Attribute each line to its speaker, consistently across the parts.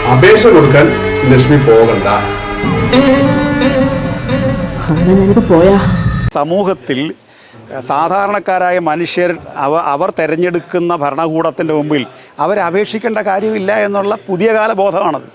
Speaker 1: അപേക്ഷ കൊടുക്കാൻ ലക്ഷ്മി പോകണ്ട.
Speaker 2: സമൂഹത്തിൽ സാധാരണക്കാരായ മനുഷ്യർ അവർ തിരഞ്ഞെടുക്കുന്ന ഭരണകൂടത്തിൻ്റെ മുമ്പിൽ അവരപേക്ഷിക്കേണ്ട കാര്യമില്ല എന്നുള്ള പുതിയ കാല ബോധമാണത്.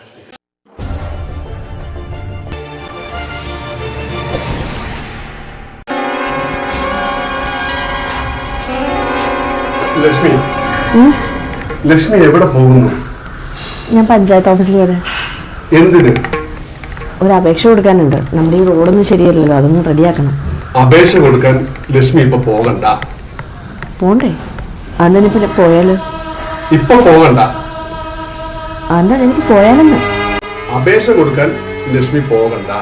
Speaker 1: ലക്ഷ്മി ലക്ഷ്മി എവിടെ പോകുന്നു?
Speaker 3: ഞാൻ പഞ്ചായത്ത് ഓഫീസിൽ വരെ.
Speaker 1: എന്തിന്?
Speaker 3: ഒരു അപേക്ഷ കൊടുക്കാനുണ്ട്. നമ്മുടെ ഈ റോഡൊന്നും ശരിയല്ലല്ലോ, അതൊന്ന് റെഡിയാക്കണം.
Speaker 1: അപേക്ഷ കൊടുക്കാൻ ലക്ഷ്മി ഇപ്പൊ പോകണ്ട.
Speaker 3: പോണ്ടേ? അതെനിക്ക് പോയാലോ?
Speaker 1: ഇപ്പൊ പോകണ്ട.
Speaker 3: അതെന്താ എനിക്ക് പോയാലെന്ന്?
Speaker 1: അപേക്ഷ കൊടുക്കാൻ ലക്ഷ്മി പോകണ്ട.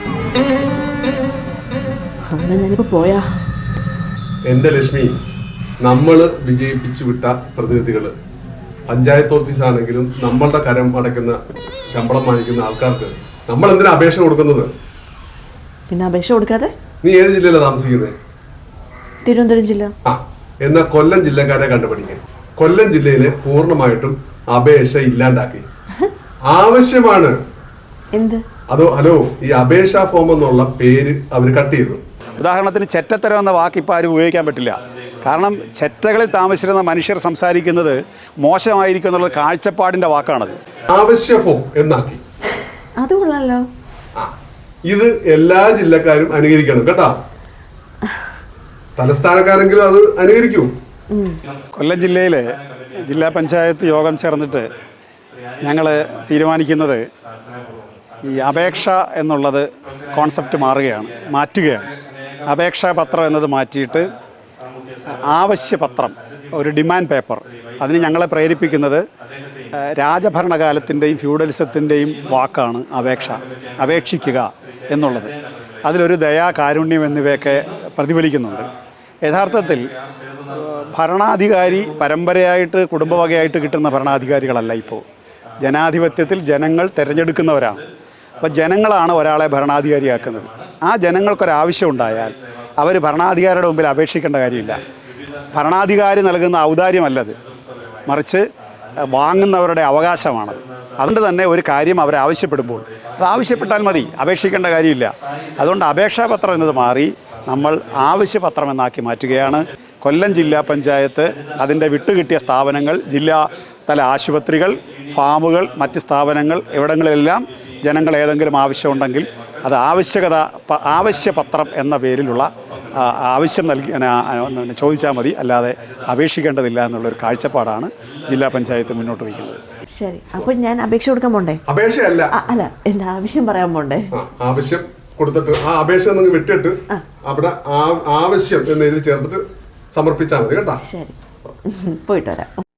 Speaker 3: അതെന്താ ഞാനിപ്പോ പോയാ?
Speaker 1: എന്റെ ലക്ഷ്മി, നമ്മള് വിജയിപ്പിച്ചു വിട്ട പ്രതിനിധികള് പഞ്ചായത്ത് ഓഫീസാണെങ്കിലും നമ്മളുടെ കരം അടയ്ക്കുന്ന ശമ്പളം വാങ്ങിക്കുന്ന ആൾക്കാർക്ക് നമ്മൾ എന്തിനാ അപേക്ഷ കൊടുക്കുന്നത്?
Speaker 3: പിന്നെ അപേക്ഷ കൊടുക്കാതെ?
Speaker 1: നീ ഏത് ജില്ലയിലാണ് താമസിക്കുന്നത്?
Speaker 3: തിരുവനന്തപുരം ജില്ല.
Speaker 1: എന്നാ കൊല്ലം ജില്ലക്കാരെ കണ്ടുപിടിക്കുക. കൊല്ലം ജില്ലയിലെ പൂർണ്ണമായിട്ടും അപേക്ഷ ഇല്ലാണ്ടാക്കി. ആവശ്യമാണ്.
Speaker 3: എന്ത്?
Speaker 1: അതോ ഹലോ, ഈ അപേക്ഷാ ഫോം എന്നുള്ള പേര് അവർ കട്ട് ചെയ്തു.
Speaker 2: ഉദാഹരണത്തിന് ചെറ്റത്തരം എന്ന വാക്ക് ഇപ്പോൾ ആരും ഉപയോഗിക്കാൻ പറ്റില്ല. കാരണം ചെറ്റകളിൽ താമസിച്ചിരുന്ന മനുഷ്യർ സംസാരിക്കുന്നത് മോശമായിരിക്കും എന്നുള്ള കാഴ്ചപ്പാടിൻ്റെ വാക്കാണത്.
Speaker 1: ആവശ്യ ഫോം എന്നാക്കി.
Speaker 3: അത് കൊള്ളാലോ.
Speaker 1: ഇത് എല്ലാ ജില്ലക്കാരും അനുകരിക്കണം കേട്ടോ. തലസ്ഥാനക്കാരെങ്കിലും അത് അനുകരിക്കൂ.
Speaker 2: കൊല്ലം ജില്ലയിലെ ജില്ലാ പഞ്ചായത്ത് യോഗം ചേർന്നിട്ട് ഞങ്ങൾ തീരുമാനിക്കുന്നത് ഈ അപേക്ഷ എന്നുള്ളത് കോൺസെപ്റ്റ് മാറ്റുകയാണ്. അപേക്ഷാപത്രം എന്നത് മാറ്റിയിട്ട് ആവശ്യപത്രം, ഒരു ഡിമാൻഡ് പേപ്പർ. അതിന് ഞങ്ങളെ പ്രേരിപ്പിക്കുന്നത് രാജഭരണകാലത്തിൻ്റെയും ഫ്യൂഡലിസത്തിൻ്റെയും വാക്കാണ് അപേക്ഷ, അപേക്ഷിക്കുക എന്നുള്ളത്. അതിലൊരു ദയ, കാരുണ്യം എന്നിവയൊക്കെ പ്രതിഫലിക്കുന്നുണ്ട്. യഥാർത്ഥത്തിൽ ഭരണാധികാരി പരമ്പരയായിട്ട് കുടുംബവകയായിട്ട് കിട്ടുന്ന ഭരണാധികാരികളല്ല. ഇപ്പോൾ ജനാധിപത്യത്തിൽ ജനങ്ങൾ തിരഞ്ഞെടുക്കുന്നവരാണ്. അപ്പോൾ ജനങ്ങളാണ് ഒരാളെ ഭരണാധികാരിയാക്കുന്നത്. ആ ജനങ്ങൾക്കൊരാവശ്യം ഉണ്ടായാൽ അവർ ഭരണാധികാരിയുടെ മുമ്പിൽ അപേക്ഷിക്കേണ്ട കാര്യമില്ല. ഭരണാധികാരി നൽകുന്ന ഔദാര്യമല്ലത്, മറിച്ച് വാങ്ങുന്നവരുടെ അവകാശമാണത്. അതുകൊണ്ട് തന്നെ ഒരു കാര്യം അവർ ആവശ്യപ്പെടുമ്പോൾ അത് ആവശ്യപ്പെട്ടാൽ മതി, അപേക്ഷിക്കേണ്ട കാര്യമില്ല. അതുകൊണ്ട് അപേക്ഷാപത്രം എന്നത് മാറി നമ്മൾ ആവശ്യപത്രം എന്നാക്കി മാറ്റുകയാണ്. കൊല്ലം ജില്ലാ പഞ്ചായത്ത് അതിൻ്റെ വിട്ടുകിട്ടിയ സ്ഥാപനങ്ങൾ, ജില്ലാ തല ആശുപത്രികൾ, ഫാമുകൾ, മറ്റ് സ്ഥാപനങ്ങൾ, ഇവിടങ്ങളിലെല്ലാം ജനങ്ങൾ ഏതെങ്കിലും ആവശ്യമുണ്ടെങ്കിൽ അത് ആവശ്യപത്രം എന്ന പേരിലുള്ള ആവശ്യം ചോദിച്ചാൽ മതി, അല്ലാതെ അപേക്ഷിക്കേണ്ടതില്ല എന്നുള്ളൊരു കാഴ്ചപ്പാടാണ് ജില്ലാ പഞ്ചായത്ത് മുന്നോട്ട് വയ്ക്കുന്നത്.
Speaker 3: ശരി, അപ്പോൾ ഞാൻ അപേക്ഷ കൊടുക്കാൻ പോണ്ടേ?
Speaker 1: അപേക്ഷയല്ല,
Speaker 3: അല്ല, എൻ്റെ ആവശ്യം പറയാൻ പോണ്ടേ?
Speaker 1: ആവശ്യം കൊടുത്തിട്ട് ആ അപേക്ഷ നിങ്ങൾ വിട്ടിട്ട് അവിടെ ആവശ്യം എന്ന് എഴുതി ചേർത്തിട്ട് സമർപ്പിച്ചാൽ മതി കേട്ടോ.
Speaker 3: ശരി, പോയിട്ട് വരാം.